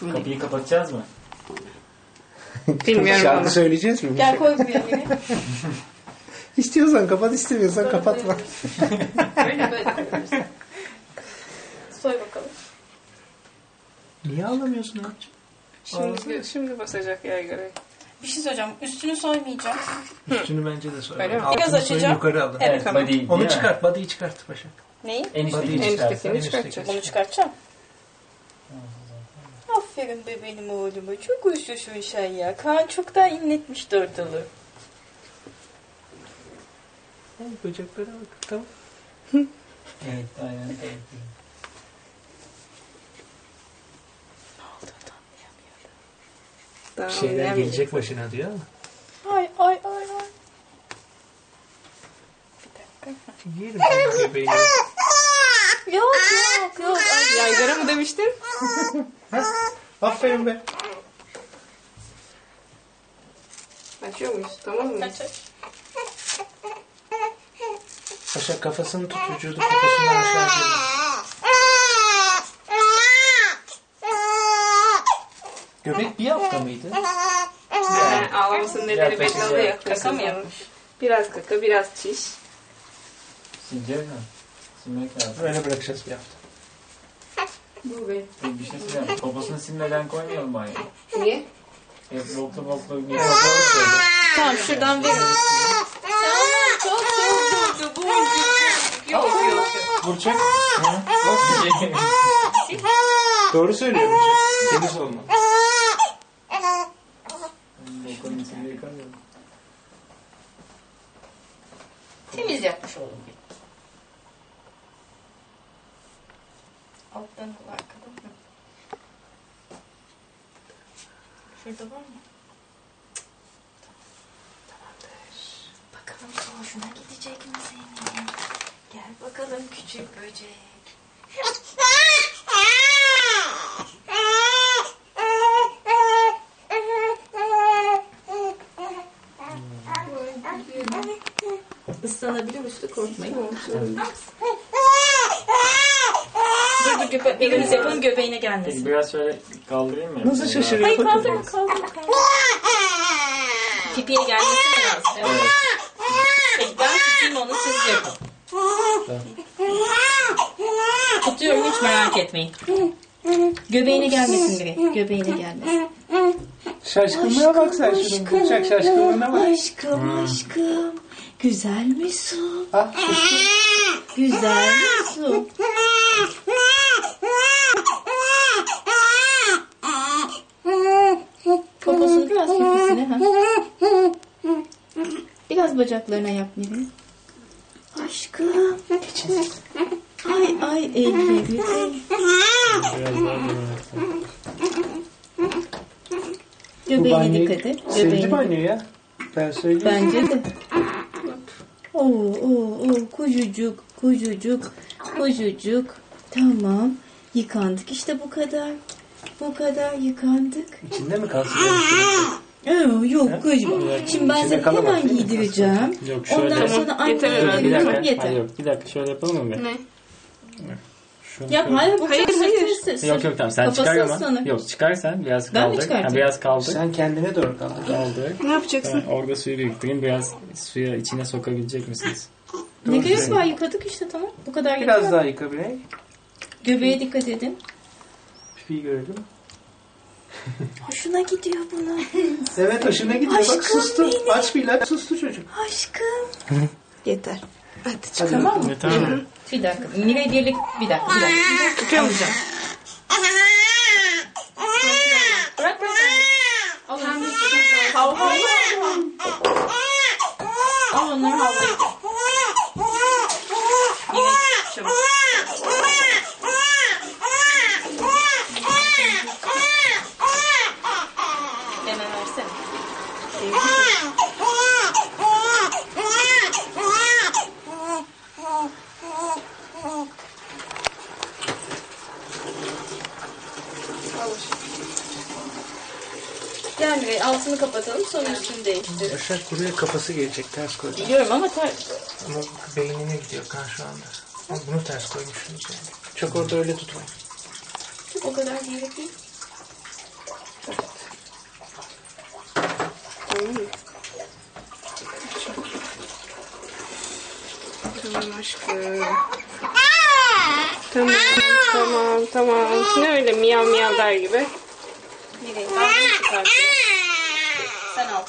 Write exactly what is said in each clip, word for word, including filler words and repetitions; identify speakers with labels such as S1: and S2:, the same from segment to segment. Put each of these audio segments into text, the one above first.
S1: Kapıyı kapatacağız mı?
S2: Bilmiyorum
S3: Şarkı
S2: ama.
S3: söyleyeceğiz mi?
S4: Gel koy buraya yine.
S3: İstiyorsan kapat, istemiyorsan
S4: Böyle
S3: kapatma.
S4: Böyle böyle koyuyoruz. Soy bakalım.
S3: Niye ağlamıyorsun abicim?
S2: Şimdi, şimdi basacak yaygara.
S4: Bir şey söyleyeceğim. Üstünü soymayacağım.
S3: Üstünü bence de söyle.
S2: Öyle mi?
S3: Altını
S4: Biraz
S3: soyun,
S4: açacağım.
S3: yukarı alın.
S4: Evet,
S2: tamam.
S1: Body,
S3: Onu
S1: değil mi?
S3: çıkart, body'yi çıkart Başak.
S4: Neyi?
S1: En üstteki
S3: Body'yi
S2: En
S3: çıkart.
S2: üsttekini
S3: en
S2: çıkartacağız.
S3: üstteki.
S4: Bunu çıkartacağım. Aferin be benim oğluma. Çok uysuşsun sen ya. Kaan çoktan inletmişti ortalığı.
S3: Ay, böceklere bak. Tamam.
S1: Evet, aynen. Evet.
S2: Daha
S3: Bir şeyler
S2: oynayamayacak.
S3: gelecek başına diyor ama.
S4: Ay ay ay ay.
S3: Yerim ben göbeğini.
S4: Yok yok yok. Ay,
S2: Yaygara mı demiştin?
S3: Aferin be.
S2: Açıyor muyuz? Tamam mı?
S4: Kaç aç.
S3: Başak kafasını tut, vücudu poposundan aşağı gidiyor. Göbek bir hafta mıydı?
S2: Yani ağlamasının nedeni belli
S1: Yaklaşık
S2: oluyor.
S1: ya.
S4: Kaka mı yapmış?
S2: Biraz kaka, biraz çiş.
S1: Silecek mi? Silmek lazım.
S3: Öyle bırakacağız bir hafta.
S2: Bu be.
S1: Bir şey sileceğim. Poposunu silmeden koymayalım banyoya.
S2: Niye?
S1: Hep boklu boklu bir kapalı şöyle.
S4: Tamam şuradan verin. Tamam çok çok çok boncuk. Yok yok yok.
S3: Burçak.
S1: Bir şey.
S3: Doğru söylüyor Burçak. Temiz olma.
S1: Bokunun içinde yıkamıyorum.
S4: Temiz yapmış oğlum. Alttan kulağı kadın mı? Şurada var mı? Tamamdır. Bakalım hoşuna gidecek mi senin? Gel bakalım küçük böcek. Islanabilir üstü korkmayın. Dur dur göbe biriniz yapın göbeğine gelmesin.
S1: Biraz şöyle kaldırayım mı?
S3: Nasıl şaşırıyor?
S4: Hayır
S3: Bakın.
S4: kaldırma kaldırma kaldırma. Pipiye gelmesi mi lazım? Evet. Peki ben tutayım onu siz yapın. Tutuyorum hiç merak etmeyin. Göbeğine gelmesin direkt. Göbeğine gelmesin.
S3: Şaşkınlığa bak sen şunun. Burçak şaşkınlığına bak.
S4: Aşkım aşkım. Güzel mi su?
S3: Ah şaşkın.
S4: Güzel mi su? Poposunu biraz pipesine. Ha? Biraz bacaklarına yap Miri. Aşkım. Ay ay elleri.
S1: Biraz daha
S3: Bu
S4: Göbeğine
S3: banyoyu
S4: dikkat et.
S3: sevdi
S4: Göbeğine.
S3: banyo ya. Ben söyleyeyim.
S4: Bence de. Oo, oo, oo, kucucuk, kucucuk, kucucuk. Tamam. Yıkandık işte bu kadar. Bu kadar yıkandık.
S3: İçinde mi kalsın?
S4: Ee, yok kızım. Şimdi ben
S3: İçinde
S4: seni
S3: kalamaz
S4: hemen
S3: değil mi?
S4: giydireceğim.
S5: Yok şöyle.
S4: Ondan
S2: Tamam,
S4: sonra
S2: yeter
S4: anneye
S2: herhalde.
S5: Bir
S4: veririm.
S5: dakika.
S4: Yeter.
S5: Hayır, yok bir dakika şöyle yapalım mı? bir?
S2: Ne?
S5: Şunu
S4: Yap
S5: şöyle-
S4: hayır bu
S2: Hayır,
S4: çok
S2: hayır.
S4: sessiz.
S5: Yok yok tamam sen
S4: Kafası
S5: çıkar ama.
S4: ıslanır.
S5: Yok çıkar sen biraz
S4: Ben mi
S5: kaldır.
S4: çıkartayım?
S5: Ha, biraz kaldır.
S3: Sen kendine doğru kaldır.
S5: Kaldır.
S2: Ne yapacaksın?
S5: Ben orada suyu biriktireyim. Biraz suya içine sokabilecek misiniz?
S4: Ne gerek var yıkadık işte tamam. Bu kadar
S3: Biraz
S4: yeter.
S3: daha yıka Bilek.
S4: Göbeğe dikkat edin.
S3: Pipiyi görelim.
S4: Hoşuna gidiyor buna.
S3: Evet hoşuna gidiyor. Bak
S4: Aşkım
S3: sustu.
S4: benim.
S3: Aç bir ilaç sustu çocuk.
S4: Aşkım.
S2: Yeter. Hadi
S3: Hadi
S2: çık.
S4: Tamam mı?
S5: Ne, tamam.
S4: Bir dakika. Mine birlik bir dakika. Bir dakika.
S2: Tutamayacağım.
S4: Bırak bırak. Al onları. Hav hav. Al onları havlayın. Mine çabuk. Hemen versene. Gel Mine altını kapatalım sonra üstünü değiştir.
S3: Başak buraya kafası gelecek ters koy.
S4: Biliyorum ama ter...
S3: Ama beynine gidiyor kan şu anda. Ama bunu ters koymuşsunuz yani. Çok orada öyle tutmayın.
S4: O kadar değil değil.
S2: aşkım. Tamam, tamam, tamam. Ne öyle miyav miyav der gibi.
S4: Nereye? Ben bunu çıkartıyorum. Sen al.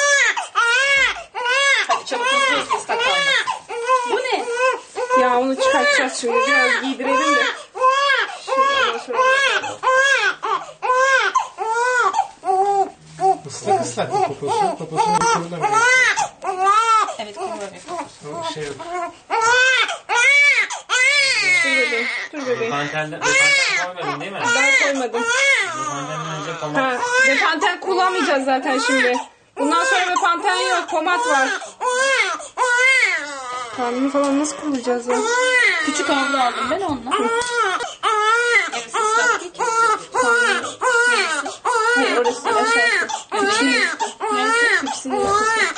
S4: Hadi çabuk hızlı hızlı ıslak kalma. Bu ne?
S2: Ya onu çıkartacağız şimdi. Biraz giydirelim de. Şuradan şöyle.
S3: Islak ıslak bir poposu. Poposunu kurulamıyor.
S4: Evet kumru bir.
S3: O şey yok.
S2: Dur bebeğim, dur bebeğim.
S1: Pantelden pantel koymadın değil mi?
S2: Ben koymadım.
S1: Pantelden önce pomat.
S2: Ha, Bepanten kullanmayacağız zaten şimdi. Bundan sonra Bepanten yok, pomat var. Karnını falan nasıl kullanacağız ya?
S4: Küçük havlu aldım ben onunla. Evet ıslak değil ki.
S2: Hayır, orası aşağısı.
S4: Hepsini üstü.
S2: Hepsini yapıyorsun.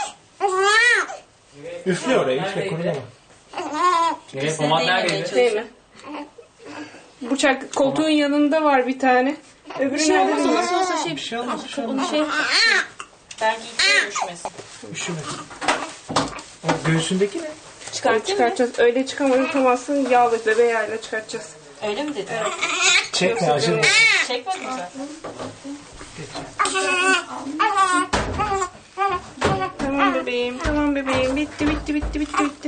S3: Üfle oraya, üfle kurulama.
S1: Nereye pomat neredeydi?
S2: Değil mi? Bıçak koltuğun yanında var bir tane. Öbürü
S4: Bir şey
S2: nerede
S4: olmaz o
S2: bilmiyorum.
S4: nasıl olsa şey.
S3: Bir şey olmaz, bir şey
S4: Onu
S3: olmaz.
S4: şey belki içine düşmesin.
S3: Üşüme. O göğsündeki ne?
S4: Çıkartayım mı?
S2: Çıkartacağız. Öyle çıkamazsın. Yağlı bebe yağıyla çıkartacağız.
S4: Öyle mi dedin?
S3: Çekme, acı.
S4: Çekmedin mi sen?
S2: Tamam bebeğim. Tamam bebeğim. Bitti bitti bitti bitti bitti.